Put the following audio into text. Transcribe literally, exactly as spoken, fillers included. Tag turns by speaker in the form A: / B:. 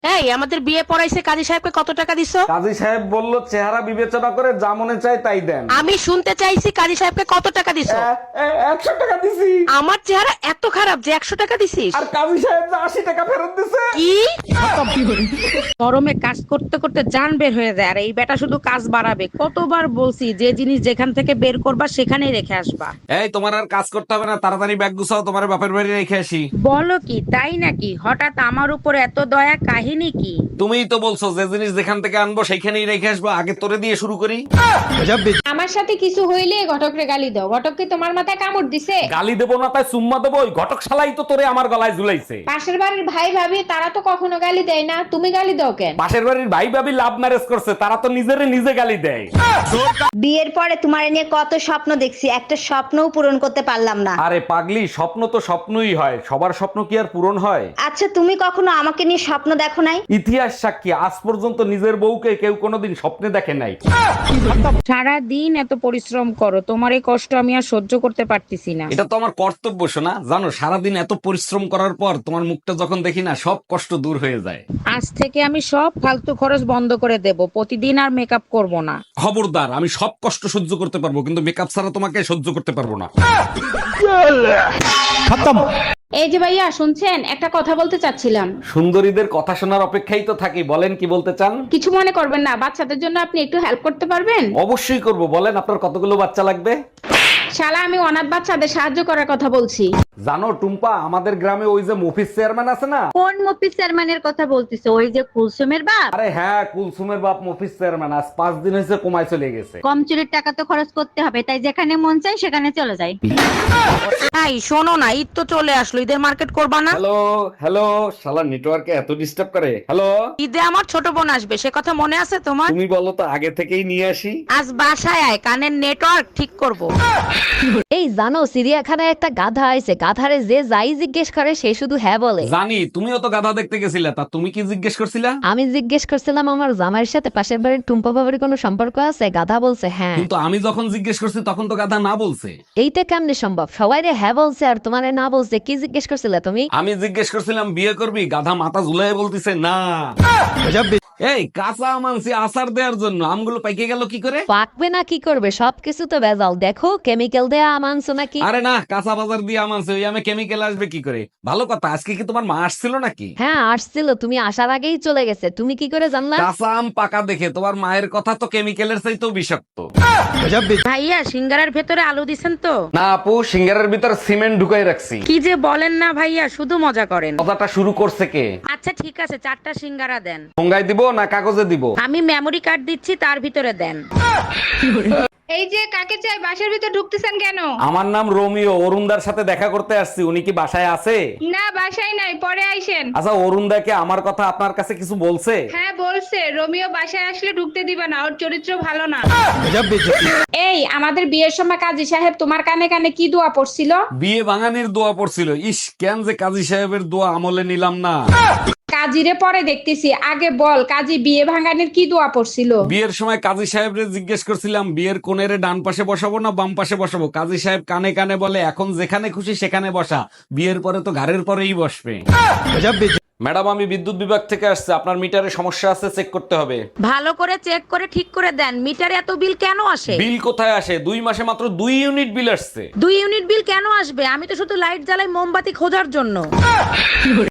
A: এই আমাদের বিয়ে পড়াইছে কাজী সাহেবকে কত টাকা দিছো?
B: কাজী সাহেব বলল চেহারা বিবেচনা করে যা মনে চায় তাই দেন।
A: আমি শুনতে চাইছি কাজী সাহেবকে কত টাকা দিছো?
B: এ, এ, একশো টাকা দিছি।
A: আমার চেহারা এত খারাপ যে একশো টাকা দিছিস?
B: আর কাজী সাহেব যে আশি টাকা ফেরত দিছে।
A: কি? গরমে কাজ করতে করতে জান বের হয়ে যায় আর এই বেটা শুধু কাজ বাড়াবে। কতবার বলছি যে জিনিস যেখান থেকে বের করবা সেখানেই রেখে আসবা।
B: এই তোমার আর কাজ করতে হবে না, তাড়াতাড়ি ব্যাগ গুছাও, তোমার বাপের বাড়ি রেখে আসি।
A: বলো কি তাই নাকি? হঠাৎ আমার উপর এত দয়া, কাহিনী কি?
B: তুমিই তো বলছো যে জিনিস যেখান থেকে আনবো সেইখানেই রেখে আসবো, আগে তোরে দিয়ে শুরু করি।
C: আমার সাথে কিছু হইলে ঘটকরে গালি দাও। ঘটক কি তোমার মাথায় কামড় দিছে?
B: গালি দেবো না তাই চুম্মা দেবো? ওই ঘটক শালাই তো তোরে আমার গলায় ঝুলাইছে।
C: পাশের বাড়ির ভাই ভাবি তারা তো কখনো গালি দেয় না, তুমি গালি দাও কেন?
B: পাশের বাড়ির ভাই ভাবি লাভ ম্যারেজ করছে, তারা তো নিজেরে নিজে গালি দেয়।
D: বিয়ের পরে তোমার নিয়ে কত স্বপ্ন দেখছি, একটা স্বপ্নও পূরণ করতে পারলাম না।
B: আরে পাগলি, স্বপ্ন তো স্বপ্নই হয়, সবার স্বপ্ন কি আর পূরণ হয়?
D: আচ্ছা তুমি কখনো আমাকে নিয়ে স্বপ্ন দেখো নাই?
B: ইতিহাস সাক্ষী, আজ পর্যন্ত নিজের বউকে কেউ কোনোদিন স্বপ্নে দেখে নাই।
A: সারা দিন এত পরিশ্রম করো, তোমার এই কষ্ট আমি আর সহ্য করতে পারতেছি না।
B: এটা তো আমার কর্তব্য শোনা, জানো সারাদিন এত পরিশ্রম করার পর তোমার মুখটা যখন দেখি না, সব কষ্ট দূর হয়ে যায়।
A: আজ থেকে আমি সব ফালতু খরচ বন্ধ করে দেব, প্রতিদিন আর মেকআপ করব না।
B: খবরদার, আমি সব কষ্ট সহ্য করতে পারবো কিন্তু মেকআপ ছাড়া তোমাকে সহ্য করতে পারবো না।
C: এই যে ভাইয়া শুনছেন, একটা কথা বলতে চাচ্ছিলাম।
B: সুন্দরীদের কথা শোনার অপেক্ষাই তো থাকি, বলেন কি বলতে চান?
C: কিছু মনে করবেন না, বাচ্চাদের জন্য আপনি একটু হেল্প করতে পারবেন?
B: অবশ্যই করব, বলেন আপনার কতগুলো বাচ্চা লাগবে?
C: শালা আমি অনাথ বাচ্চাদের সাহায্য করার কথা বলছি।
B: জানো টুম্পা, আমাদের গ্রামে ওই যে মফিজ চেয়ারম্যান আছে না?
D: কোন মফিজ চেয়ারম্যানের কথা বলতিছো? ওই যে কুলসুমের বাপ?
B: আরে হ্যাঁ, কুলসুমের বাপ মফিজ চেয়ারম্যান আজ পাঁচ দিন হয়েছে কমায় চলে গেছে।
D: কম চুরির টাকা তো খরচ করতে হবে, তাই যেখানে মন চাই সেখানে চলে যায়।
A: এই শোনো না, ঈদ তো চলে আসলো, ঈদের মার্কেট করবা না?
B: হ্যালো হ্যালো, শালা নেটওয়ার্কে এত ডিস্টার্ব করে। হ্যালো,
A: ঈদে আমার ছোট বোন আসবে, সে কথা মনে আছে তোমার?
B: তুমি বলো তো আগে থেকেই নিয়ে আসি।
A: আজ বাসায় আয়, কানের নেটওয়ার্ক ঠিক করব।
E: এই জানো চিড়িয়াখানায় একটা গাধা আইছে, গাধারে যে যাই জিজ্ঞেস করে সে শুধু হ্যাঁ বলে।
B: জানি, তুমিও তো গাধা দেখতে গেছিলে, তা তুমি কি জিজ্ঞেস করছিলা?
E: আমি জিজ্ঞেস করছিলাম আমার জামাইয়ের সাথে পাশের বাড়ির টুম্পা বাবার কোনো সম্পর্ক আছে, গাধা বলছে হ্যাঁ।
B: কিন্তু আমি যখন জিজ্ঞেস করছি তখন তো গাধা না বলছে।
E: এইটা কেমনে সম্ভব? সবাই রে হ্যাঁ বলছে আর তোমারে না বলছে, কি জিজ্ঞেস করছিলে তুমি?
B: আমি জিজ্ঞেস করছিলাম বিয়ে করবি, গাধা মাথা ঝুলাই বলতিছে না। এই কাঁচা আম আনছি আচার দেওয়ার জন্য, আমগুলো পাইকে গেল কি করে?
E: পাকবে না কি করবে, সবকিছু তো ভেজাল, দেখো কেমিক্যাল দেয়া আম আনছো নাকি?
B: আরে না, কাঁচা বাজার দিয়ে আম আনছে, ওই আমে কেমিক্যাল আসবে কি করে? ভালো কথা, আজকে কি তোমার মা আসছিল নাকি?
E: হ্যাঁ আসছিল, তুমি আসার আগেই চলে গেছে, তুমি কি করে জানলা?
B: কাঁচা আম পাকা দেখে তোমার মায়ের কথা তো কেমিক্যালের চাইতেও বিষাক্ত।
A: ভাইয়া সিঙ্গারার ভেতরে আলু দিছেন তো?
B: না আপু, সিঙ্গারের ভিতর সিমেন্ট ঢুকাই রাখছি।
A: কি যে বলেন না ভাইয়া, শুধু মজা করেন।
B: কথাটা শুরু করছে কে?
A: আচ্ছা ঠিক আছে, চারটা সিঙ্গারা দেন।
B: ঠোঙ্গায় দিব না কাগজে দিব?
A: আমি মেমরি কার্ড দিচ্ছি, তার ভিতরে দেন।
C: এই যে কাকে চাই, বাসার ভিতর ঢুকতেছেন কেন?
B: আমার নাম রোমিও, অরুণদার সাথে দেখা করতে আসছি, উনি কি বাসায় আছে?
C: না বাসায় নাই, পরে আইসেন।
B: আচ্ছা, অরুণদাকে আমার কথা আপনার কাছে কিছু বলছে?
C: হ্যাঁ বলছে, রোমিও বাসায় আসলে ঢুকতে দিবে না, ওর চরিত্র ভালো না। এই আমাদের বিয়ের সময় কাজী সাহেব তোমার কানে কানে কি দোয়া পড়ছিল?
B: বিয়ে ভাঙানির দোয়া পড়ছিল। ইস, কেন যে কাজী সাহেবের দোয়া আমলে নিলাম না।
C: কাজীরে পরে দেখতেছি, আগে বল কাজী বিয়ে ভাঙানির কি দোয়া পড়ছিল?
B: বিয়ের সময় কাজী সাহেবরে জিজ্ঞেস করছিলাম বিয়ের কোণের ডান পাশে বসাবো না বাম পাশে বসাবো, কাজী সাহেব কানে কানে বলে এখন যেখানে খুশি সেখানে বসা, বিয়ের পরে তো ঘাড়ের পরেই বসবে। ম্যাডাম, আমি বিদ্যুৎ বিভাগ থেকে আসছে, আপনার মিটারে সমস্যা আছে, চেক করতে হবে।
A: ভালো করে চেক করে ঠিক করে দেন, মিটারে এত বিল কেন আসে?
B: বিল কোথায় আসে? দুই মাসে মাত্র দুই ইউনিট বিল আসছে।
A: দুই ইউনিট বিল কেন আসবে? আমি তো শুধু লাইট জ্বালাই মোমবাতি খোঁজার জন্য।